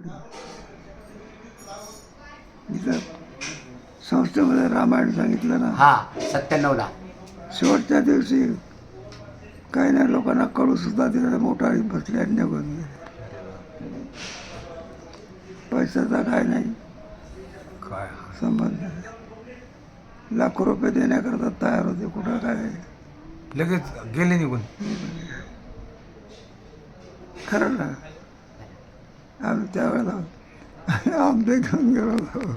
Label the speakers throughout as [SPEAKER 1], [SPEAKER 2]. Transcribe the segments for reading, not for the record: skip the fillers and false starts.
[SPEAKER 1] इथं संस्थेमध्ये रामायण सांगितलं ना,
[SPEAKER 2] हा 97ला.
[SPEAKER 1] शेवटच्या दिवशी काही नाही लोकांना कळू सुद्धा तिकडे मोठा बसले आणि निघून गेले. पैशाचा काय नाही
[SPEAKER 3] काय
[SPEAKER 1] संबंध नाही. लाखो रुपये देण्याकरता तयार होते, कुठं काय
[SPEAKER 3] लगेच गेले निघून.
[SPEAKER 1] खरं ना. आम्ही त्यावेळेला आंबे घेऊन गेलो होतो.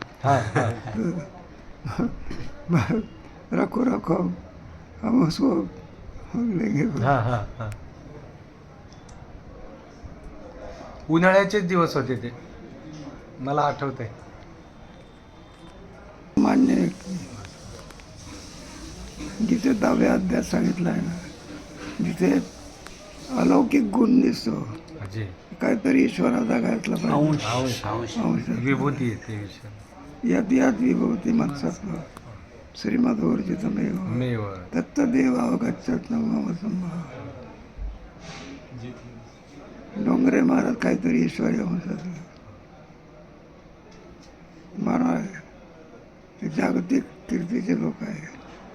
[SPEAKER 1] रखो रखो हम उसको लेंगे.
[SPEAKER 3] उन्हाळ्याचेच दिवस होते ते, मला आठवतंय.
[SPEAKER 1] मान्य आहे की जिथे 10व्या अध्यायात सांगितलं आहे ना, जिथे अलौकिक गुण दिसतो,
[SPEAKER 3] अजय
[SPEAKER 1] काहीतरी ईश्वराचा घातला पाहिजे. अंश.
[SPEAKER 3] विभूती येते विषय.
[SPEAKER 1] यात यात विभवती मनसत्व श्रीमदोर्जितमेव
[SPEAKER 3] मेव
[SPEAKER 1] तत्तदेवावगच्छत मम संभव. डोंगरे महाराज काहीतरी ईश्वरी अंशातलं मानव आहे. ते जागतिक कीर्तीचे लोक आहे.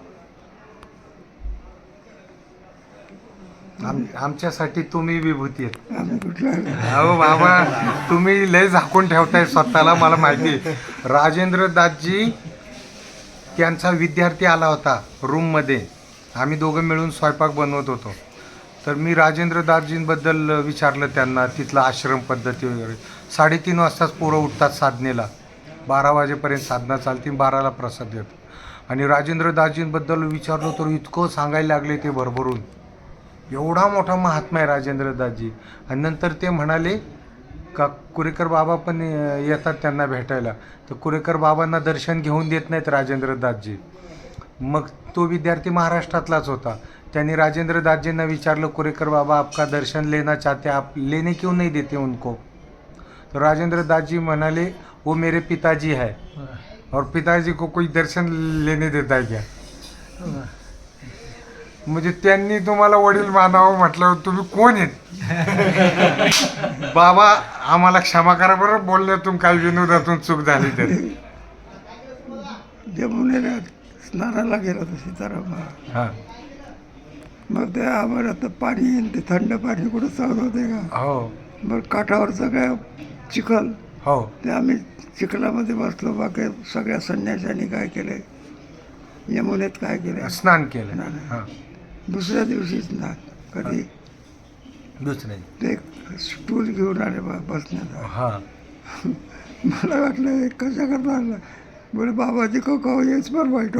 [SPEAKER 3] आमच्यासाठी तुम्ही विभूती आहेत.
[SPEAKER 1] आम्ही कुठला
[SPEAKER 3] अहो बाबा, तुम्ही लय झाकून ठेवताय स्वतःला, मला माहिती आहे. राजेंद्र दासजी त्यांचा विद्यार्थी आला होता रूममध्ये, आम्ही दोघं मिळून स्वयंपाक बनवत होतो. तर मी राजेंद्र दासजींबद्दल विचारलं त्यांना, तिथलं आश्रम पद्धती वगैरे. 3:30 वाजताच पोरं उठतात साधनेला, 12 वाजेपर्यंत साधना चालते, 12ला प्रसाद येतो. आणि राजेंद्र दासजींबद्दल विचारलं तर इतकं सांगायला लागले ते भरभरून. एवढा मोठा महात्मा आहे राजेंद्र दासजी. आणि नंतर ते म्हणाले का कुरेकर बाबा पण येतात त्यांना भेटायला, तर कुरेकर बाबांना दर्शन घेऊन देत नाहीत राजेंद्र दासजी. मग तो विद्यार्थी महाराष्ट्रातलाच होता. त्यांनी राजेंद्र दासजींना विचारलं, कुरेकर बाबा आपका दर्शन लेना चाहते, आप लेने क्यों नहीं देते उनको? तो राजेंद्र दासजी म्हणाले, वो मेरे पिताजी है और पिताजी को कोई दर्शन लेने देता है क्या? म्हणजे त्यांनी तुम्हाला वडील मानावं म्हटलं, तुम्ही कोण आहेत? बाबा आम्हाला क्षमा करा बरं, बोलण्यातून काही विनोदातून चूक झाली तर.
[SPEAKER 1] जमुनेला स्नानाला गेला होता सीताराम.
[SPEAKER 3] हां
[SPEAKER 1] मग ते आम्हाला आता पाणी येईल, ते थंड पाणी कुठं सहन होते का?
[SPEAKER 3] हो
[SPEAKER 1] मग काठावर सगळ्या चिखल,
[SPEAKER 3] हो
[SPEAKER 1] ते आम्ही चिखलामध्ये बसलो. बाकी सगळ्या संन्याशांनी काय केले, यमुनेत काय केले,
[SPEAKER 3] स्नान केलं.
[SPEAKER 1] स्नान.
[SPEAKER 3] हां
[SPEAKER 1] दुसऱ्या दिवशीच ना कधी
[SPEAKER 3] दुसरे
[SPEAKER 1] ते स्टूल घेऊन आले बसण्याचा.
[SPEAKER 3] हां
[SPEAKER 1] मला वाटलं हे कशा करता आलं. बोले बाबाजी को कहो येच पर बैठो.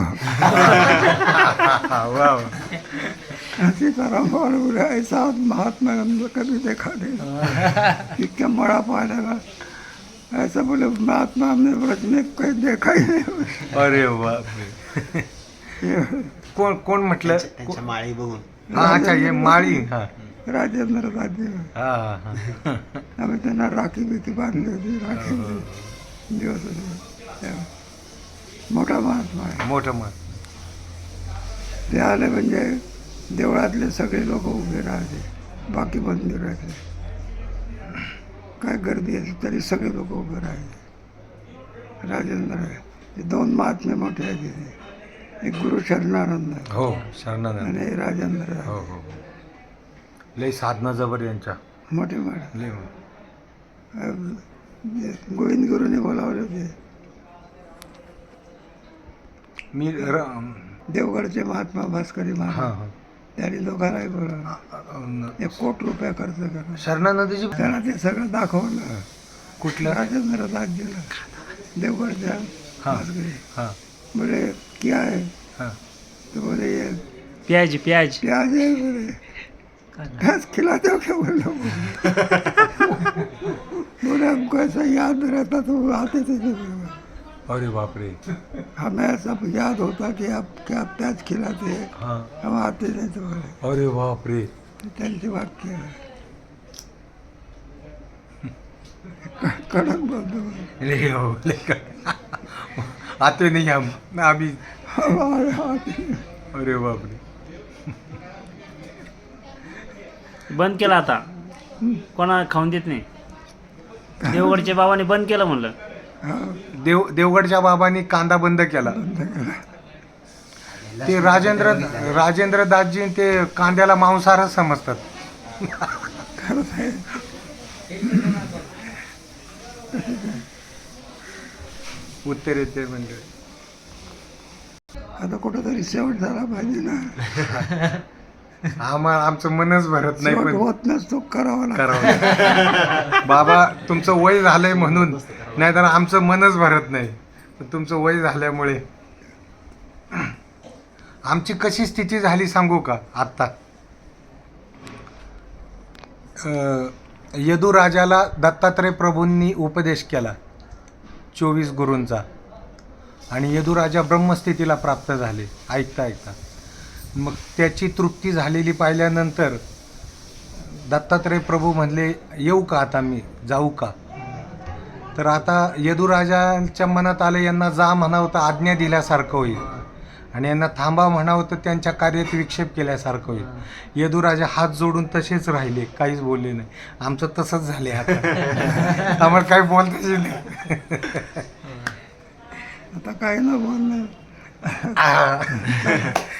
[SPEAKER 3] वा
[SPEAKER 1] सीताराम बोले ऐसा महात्मा हमने कभी देखा नहीं. इतक्या मळा पाहिला का, ऐसा बोले महात्मा हमने व्रत में कहीं देखा ही नहीं.
[SPEAKER 3] अरे बापरे. कोण कोण म्हटलं?
[SPEAKER 2] त्यांच्या माळी बघून.
[SPEAKER 3] हा अच्छा, हे माळी. हा
[SPEAKER 1] राजेंद्र राज्य.
[SPEAKER 3] हा हा.
[SPEAKER 1] आम्ही त्यांना राखी बिखी बांधली होती. राखी दिवस होते तेव्हा. मोठा महात्मा आहे.
[SPEAKER 3] मोठं मत.
[SPEAKER 1] ते आले म्हणजे देवळातले सगळे लोक उभे राहते, बाकी मंदिरातले काय गर्दी असते तरी सगळे लोक उभे राहते. राजेंद्र आहे. ते 2 महात्मे मोठे आहेत तिथे. एक गुरु शरणानंद आहे
[SPEAKER 3] हो शरणानंद.
[SPEAKER 1] आणि राजेंद्र आहे.
[SPEAKER 3] हो हो. लय साधना जबर यांच्या.
[SPEAKER 1] मोठे महाराज.
[SPEAKER 3] लय.
[SPEAKER 1] गोविंद गुरुने बोलावले होते.
[SPEAKER 3] मी
[SPEAKER 1] देवगडचे महात्मा भास्करी
[SPEAKER 3] हां
[SPEAKER 1] महाराज,
[SPEAKER 3] हां.
[SPEAKER 1] त्यांनी दोघांनाही बोलावलं. 1 कोटी रुपये खर्च करा.
[SPEAKER 3] शरणानंदजी
[SPEAKER 1] त्यांना ते सगळं दाखवलं.
[SPEAKER 3] कुठलं?
[SPEAKER 1] राजेंद्र दासजीला देवगडच्या
[SPEAKER 3] हां
[SPEAKER 1] भास्करी.
[SPEAKER 3] हां
[SPEAKER 1] बोले क्या है?
[SPEAKER 3] हां.
[SPEAKER 1] तो बोले ये
[SPEAKER 4] प्याज
[SPEAKER 1] प्याज है. बोले घास खिलाते हो क्या? बोलो बोले हमको ऐसा याद रहता तो आते थे.
[SPEAKER 3] अरे बापरे.
[SPEAKER 1] हमें ऐसा याद होता कि आप क्या प्याज खिलाते हैं,
[SPEAKER 3] हां.
[SPEAKER 1] हम आते नहीं. तो बोले
[SPEAKER 3] अरे बापरे.
[SPEAKER 1] त्यांचे वाक्य आहे. कडक बोलतो.
[SPEAKER 3] लय हो लय. आते नाही आम्ही. अरे बापरे.
[SPEAKER 4] बंद केला आता, कोणा खाऊन देत नाही. देवगडच्या बाबाने बंद केलं म्हणलं.
[SPEAKER 1] हा,
[SPEAKER 3] देवगडच्या बाबांनी कांदा बंद केला.
[SPEAKER 1] बंद केला.
[SPEAKER 3] ते राजेंद्र दासजी ते कांद्याला मांसाहारच समजतात.
[SPEAKER 1] खरंच आहे.
[SPEAKER 3] उत्तरेतर म्हणजे
[SPEAKER 1] आता कुठंतरी शेवट झाला पाहिजे ना.
[SPEAKER 3] आमचं मनच भरत नाही,
[SPEAKER 1] शेवट
[SPEAKER 3] पण
[SPEAKER 1] होत नसतो, करावा लागतो.
[SPEAKER 3] करावं. बाबा तुमचं वय झालंय म्हणून, नाहीतर आमचं मनच भरत नाही. पण तुमचं वय झाल्यामुळे आमची कशी स्थिती झाली सांगू का आत्ता. यदुराजाला दत्तात्रय प्रभूंनी उपदेश केला 24 गुरूंचा, आणि यदुराजा ब्रह्मस्थितीला प्राप्त झाले ऐकता ऐकता. मग त्याची तृप्ती झालेली पाहिल्यानंतर दत्तात्रय प्रभू म्हणले, येऊ का आता मी, जाऊ का. तर आता यदुराजांच्या मनात आलं, यांना जा म्हणावं तर आज्ञा दिल्यासारखं होईल, आणि यांना थांबा म्हणावं तर त्यांच्या कार्यात विक्षेप केल्यासारखं होईल. यदुराजा हात जोडून तसेच राहिले, काहीच बोलले नाही. आमचं तसंच झाले आता. आम्हाला काही बोलताच नाही.
[SPEAKER 1] आता काय ना बोलणं.